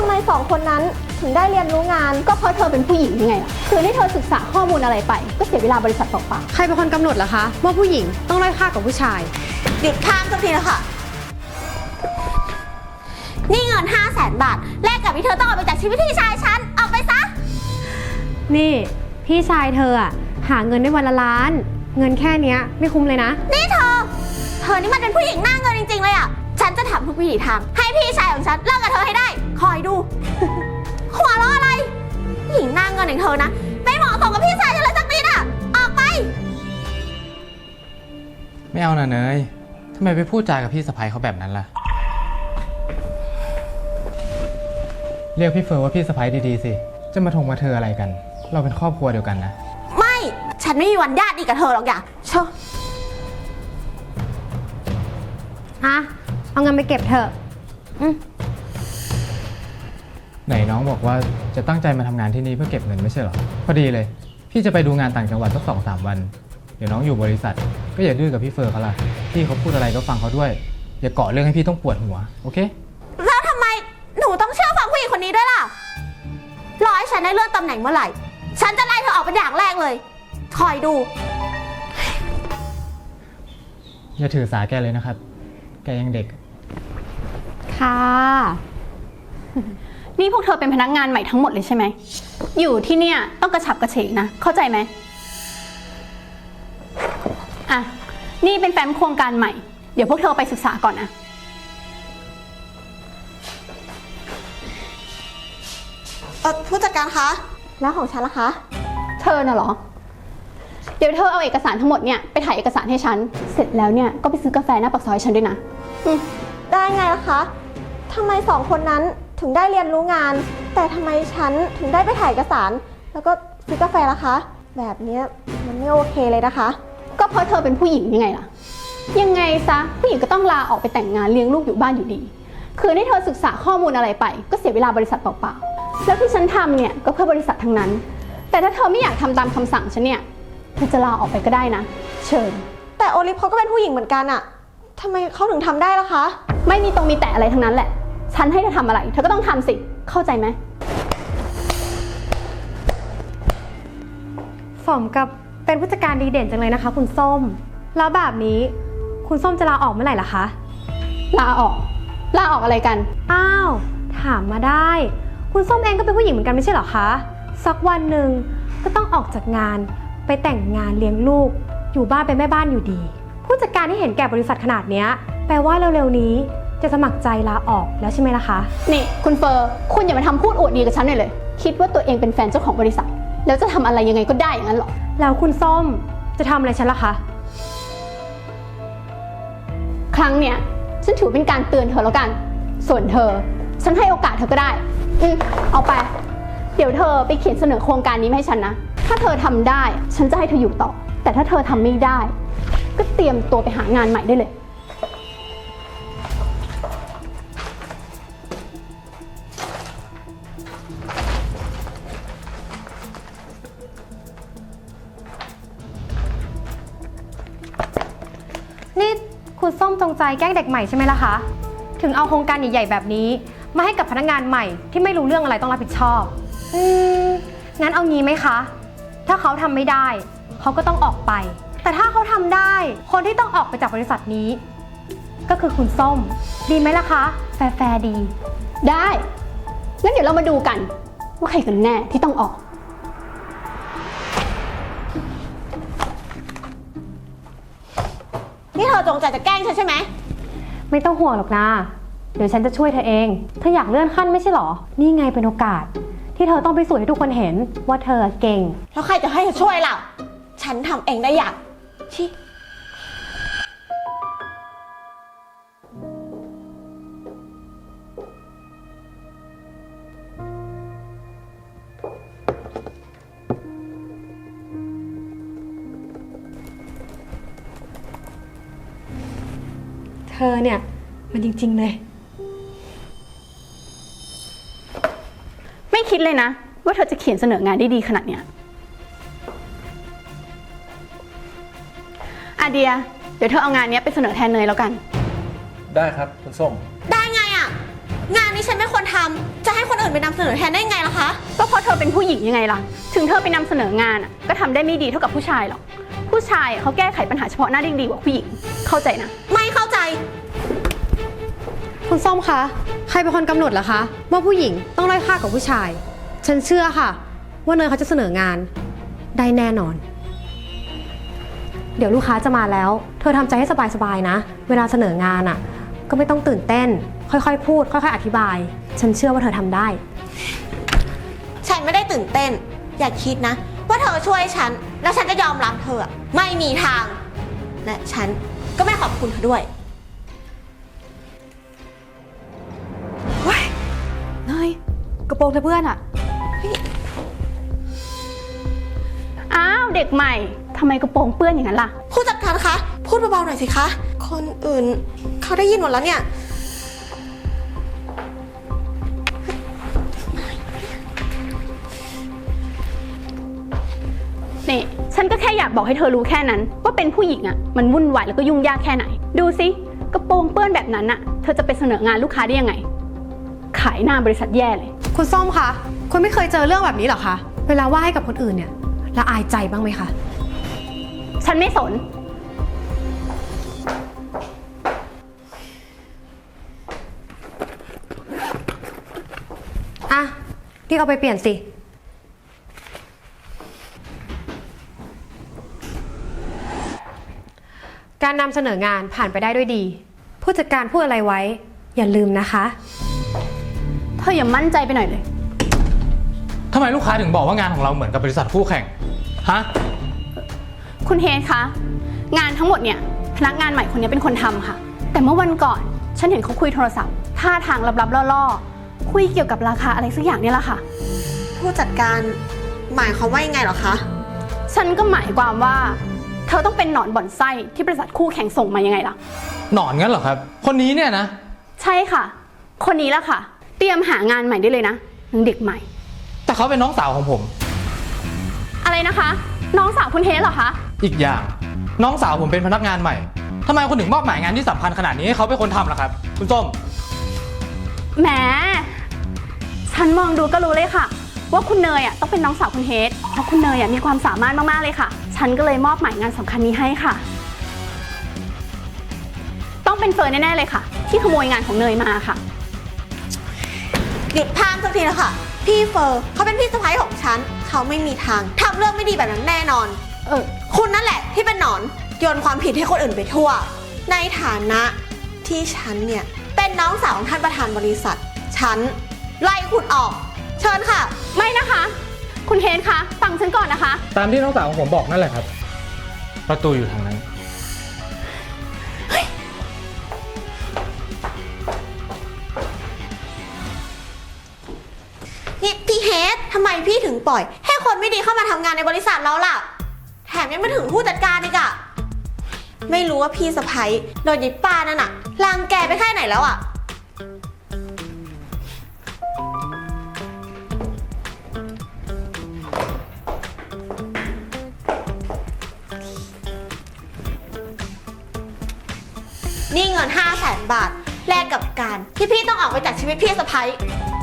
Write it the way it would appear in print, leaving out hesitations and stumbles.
ำไม2 คนนั้นถึงได้เรียนรู้งานก็เพราะเธอเป็นผู้หญิงยังไงล่ะคือให้เธอศึกษาข้อมูลอะไรไปก็เสียเวลาบริษัทเปล่าใครเป็นคนกำหนดล่ะคะว่าผู้หญิงต้องด้อยค่ากับผู้ชายหยุดข้ามสักทีแล้วค่ะนี่เงิน500,000 บาทแลกกับที่เธอต้องออกไปจากชีวิตพี่ชายฉันออกไปซะนี่พี่ชายเธออะหาเงินได้วันละล้าน เงินแค่เนี้ยไม่คุ้มเลยนะนี่เธอนี่มันเป็นผู้หญิงหน้าเงินจริงๆเลยอ่ะฉันจะทำทุกวิถีทางให้พี่ชายของฉันเลิกกับเธอให้ได้คอยดู หัวเราะอะไรหญิงหน้าเงินอย่างเธอนะไม่เหมาะสมกับพี่ชายฉันเลยสักนิดอ่ะออกไปไม่เอานะเนยทำไมไปพูดจากับพี่สะใภ้เขาแบบนั้นล่ะเรียกพี่เฟิร์นว่าพี่สะใภ้ดีๆสิจะมาทงมาเธออะไรกันเราเป็นครอบครัวเดียวกันนะไม่ฉันไม่มีวันญาติดีกับเธอหรอกอย่าเชอะเอาเงินไปเก็บเถอะไหนน้องบอกว่าจะตั้งใจมาทำงานที่นี่เพื่อเก็บเงินไม่ใช่หรอพอดีเลยพี่จะไปดูงานต่างจังหวัดสัก2-3 วันเดี๋ยวน้องอยู่บริษัทก็อย่าดื้อกับพี่เฟิร์นเขาล่ะพี่เขาพูดอะไรก็ฟังเขาด้วยอย่าเกาะเรื่องให้พี่ต้องปวดหัวโอเคแล้วทำไมหนูต้องเชื่อฟังผู้หญิงคนนี้ด้วยล่ะรอให้ฉันได้เลื่อนตำแหน่งเมื่อไหร่ฉันจะไล่เธอออกเป็นอย่างแรกเลยคอยดูอย่าถือสาแกเลยนะครับแกยังเด็กค่ะๆนี่พวกเธอเป็นพนักงานใหม่ทั้งหมดเลยใช่ไหมอยู่ที่เนี่ยต้องกระฉับกระเฉงนะเข้าใจไหมอ่ะนี่เป็นแฟ้มโครงการใหม่เดี๋ยวพวกเธอไปศึกษาก่อนนะผู้จัดการคะแล้วของฉันล่ะคะเธอน่ะเหรอเดี๋ยวเธอเอาเอกสารทั้งหมดเนี่ยไปถ่ายเอกสารให้ฉันเสร็จแล้วเนี่ยก็ไปซื้อกาแฟหน้าปากซอยฉันด้วยนะได้ไงล่ะคะทำไม2 คนนั้นถึงได้เรียนรู้งานแต่ทำไมฉันถึงได้ไปถ่ายเอกสารแล้วก็ซื้อกาแฟล่ะคะแบบนี้มันไม่โอเคเลยนะคะก็เพราะเธอเป็นผู้หญิงยังไงล่ะยังไงซะผู้หญิงก็ต้องลาออกไปแต่งงานเลี้ยงลูกอยู่บ้านอยู่ดีคือให้เธอศึกษาข้อมูลอะไรไปก็เสียเวลาบริษัทเปล่าๆแล้วที่ฉันทำเนี่ยก็เพื่อบริษัททั้งนั้นแต่ถ้าเธอไม่อยากทำตามคำสั่งฉันเนี่ยเธอจะลาออกไปก็ได้นะเชิญแต่โอลิฟเขาก็เป็นผู้หญิงเหมือนกันอะทำไมเขาถึงทำได้ล่ะคะไม่มีตรงมีแต่อะไรทั้งนั้นแหละฉันให้เธอทำอะไรเธอก็ต้องทำสิเข้าใจไหมสมกับเป็นผู้จัดการดีเด่นจังเลยนะคะคุณส้มแล้วแบบนี้คุณส้มจะลาออกเมื่อไหร่ล่ะคะลาออกอะไรกันอ้าวถามมาได้คุณส้มเองก็เป็นผู้หญิงเหมือนกันไม่ใช่เหรอคะสักวันหนึ่งก็ต้องออกจากงานไปแต่งงานเลี้ยงลูกอยู่บ้านเป็นแม่บ้านอยู่ดีผู้จัดการที่เห็นแก่บริษัทขนาดนี้แปลว่าเร็วๆนี้จะสมัครใจลาออกแล้วใช่ไหมล่ะคะนี่คุณเฟอร์คุณอย่ามาทำพูดอวดดีกับฉันเลยคิดว่าตัวเองเป็นแฟนเจ้าของบริษัทแล้วจะทำอะไรยังไงก็ได้อย่างนั้นหรอแล้วคุณส้มจะทำอะไรฉันล่ะคะครั้งเนี้ยฉันถือเป็นการเตือนเธอแล้วกันส่วนเธอฉันให้โอกาสเธอก็ได้เอาไปเดี๋ยวเธอไปเขียนเสนอโครงการนี้มาให้ฉันนะถ้าเธอทำได้ฉันจะให้เธออยู่ต่อแต่ถ้าเธอทำไม่ได้ก็เตรียมตัวไปหางานใหม่ได้เลยนี่คุณส้มจงใจแกล้งเด็กใหม่ใช่ไหมล่ะคะถึงเอาโครงการใหญ่ๆแบบนี้มาให้กับพนักงานใหม่ที่ไม่รู้เรื่องอะไรต้องรับผิดชอบงั้นเอางี้ไหมคะถ้าเขาทำไม่ได้เขาก็ต้องออกไปแต่ถ้าเขาทำได้คนที่ต้องออกไปจากบริษัทนี้ก็คือคุณส้มดีไหมล่ะคะแฟร์ดีได้งั้นเดี๋ยวเรามาดูกันว่าใครกันแน่ที่ต้องออกนี่เธอจงใจจะแกล้งฉันใช่ไหมไม่ต้องห่วงหรอกนะเดี๋ยวฉันจะช่วยเธอเองเธออยากเลื่อนขั้นไม่ใช่หรอนี่ไงเป็นโอกาสที่เธอต้องไปสู่ให้ทุกคนเห็นว่าเธอเก่งแล้วใครจะให้เธอช่วยล่ะฉันทำเองได้อย่างชิเธอเนี่ยมันจริงๆเลยไม่คิดเลยนะว่าเธอจะเขียนเสนองานได้ดีขนาดเนี้ยอาเดียเดี๋ยวเธอเอางานนี้ไปเสนอแทนเนยแล้วกันได้ครับคุณส้มได้ไงอ่ะงานนี้ฉันไม่ควรทำจะให้คนอื่นไปนำเสนอแทนได้ไงล่ะคะก็เพราะเธอเป็นผู้หญิงยังไงล่ะ ถึงเธอไปนำเสนองานอะก็ทำได้ไม่ดีเท่ากับผู้ชายหรอก ผู้ชายเขาแก้ไขปัญหาเฉพาะหน้าได้ดีกว่าผู้หญิง เข้าใจนะไม่เข้าใจคุณส้มคะ ใครเป็นคนกำหนดล่ะคะ ว่าผู้หญิงต้องด้อยค่ากว่าผู้ชาย ฉันเชื่อค่ะ ว่าเนยเขาจะเสนองานได้แน่นอน เดี๋ยวลูกค้าจะมาแล้ว เธอทำใจให้สบายๆนะ เวลาเสนองานอ่ะ ก็ไม่ต้องตื่นเต้น ค่อยๆพูด ค่อยๆอธิบาย ฉันเชื่อว่าเธอทำได้ฉันไม่ได้ตื่นเต้น อย่าคิดนะ ว่าเธอช่วยฉัน แล้วฉันจะยอมรับเธออะไม่มีทาง และฉันก็ไม่ขอบคุณเธอด้วยเนยกระโปรงเธอเพื่อนอะอ้าวเด็กใหม่ทำไมกระโปรงเปื้อนอย่างนั้นล่ะผู้จัดการคะ พูดเบาๆหน่อยสิคะ คนอื่นเขาได้ยินหมดแล้วเนี่ยนี่ฉันก็แค่อยากบอกให้เธอรู้แค่นั้น ว่าเป็นผู้หญิงอะมันวุ่นวายแล้วก็ยุ่งยากแค่ไหน ดูสิกระโปรงเปื้อนแบบนั้นอะเธอจะไปเสนองานลูกค้าได้ยังไง ขายหน้าบริษัทแย่เลยคุณส้มคะ คุณไม่เคยเจอเรื่องแบบนี้หรอคะ เวลาว่าให้กับคนอื่นเนี่ยละอายใจบ้างไหมคะฉันไม่สนอ่ะรีบเอาไปเปลี่ยนสิ การนำเสนองานผ่านไปได้ด้วยดี ผู้จัดการพูดอะไรไว้ อย่าลืมนะคะเธออย่ามั่นใจไปหน่อยเลยทำไมลูกค้าถึงบอกว่างานของเราเหมือนกับบริษัทคู่แข่ง ฮะคุณเฮดคะ งานทั้งหมดเนี่ยพนักงานใหม่คนนี้เป็นคนทำค่ะ แต่เมื่อวันก่อนฉันเห็นเขาคุยโทรศัพท์ท่าทางลับๆล่อๆคุยเกี่ยวกับราคาอะไรสักอย่างเนี่ยแหละค่ะผู้จัดการหมายความว่ายังไงเหรอคะฉันก็หมายความว่า เธอต้องเป็นหนอนบ่อนไส้ที่บริษัทคู่แข่งส่งมายังไงล่ะหนอนงั้นเหรอครับ คนนี้เนี่ยนะใช่ค่ะ คนนี้แหละค่ะ เตรียมหางานใหม่ได้เลยนะนางเด็กใหม่แต่เขาเป็นน้องสาวของผมอะไรนะคะ น้องสาวคุณเฮดเหรอคะอีกอย่าง น้องสาวผมเป็นพนักงานใหม่ทำไมคุณถึงมอบหมายงานที่สำคัญขนาดนี้ให้เขาเป็นคนทำล่ะครับ คุณส้มแหม ฉันมองดูก็รู้เลยค่ะ ว่าคุณเนยต้องเป็นน้องสาวคุณเฮดเพราะคุณเนยมีความสามารถมากๆเลยค่ะ ฉันก็เลยมอบหมายงานสำคัญนี้ให้ค่ะ ต้องเป็นเฟิร์นแน่ๆเลยค่ะ ที่ขโมยงานของเนยมาค่ะหยุดพามสักทีนะคะพี่เฟอร์เขาเป็นพี่สะใภ้ของฉัน เขาไม่มีทางทำเรื่องไม่ดีแบบนั้นแน่นอน คุณนั่นแหละที่เป็นหนอนโยนความผิดให้คนอื่นไปทั่ว ในฐานะที่ฉันเนี่ยเป็นน้องสาวของท่านประธานบริษัท ฉันไล่คุณออก เชิญค่ะไม่นะคะ คุณเฮดคะฟังฉันก่อนนะคะตามที่น้องสาวของผมบอกนั่นแหละครับ ประตูอยู่ทางนั้นนี่พี่เฮดทำไมพี่ถึงปล่อย ให้คนไม่ดีเข้ามาทำงานในบริษัทเราล่ะ แถมยังไม่ถึงผู้จัดการอีกอะไม่รู้ว่าพี่สะใภ้โดนยิบป้านั่นอะรังแกไปแค่ไหนแล้วอะนี่เงิน 500,000 บาทแลกกับการที่พี่ต้องออกไปจากชีวิตพี่สะใภ้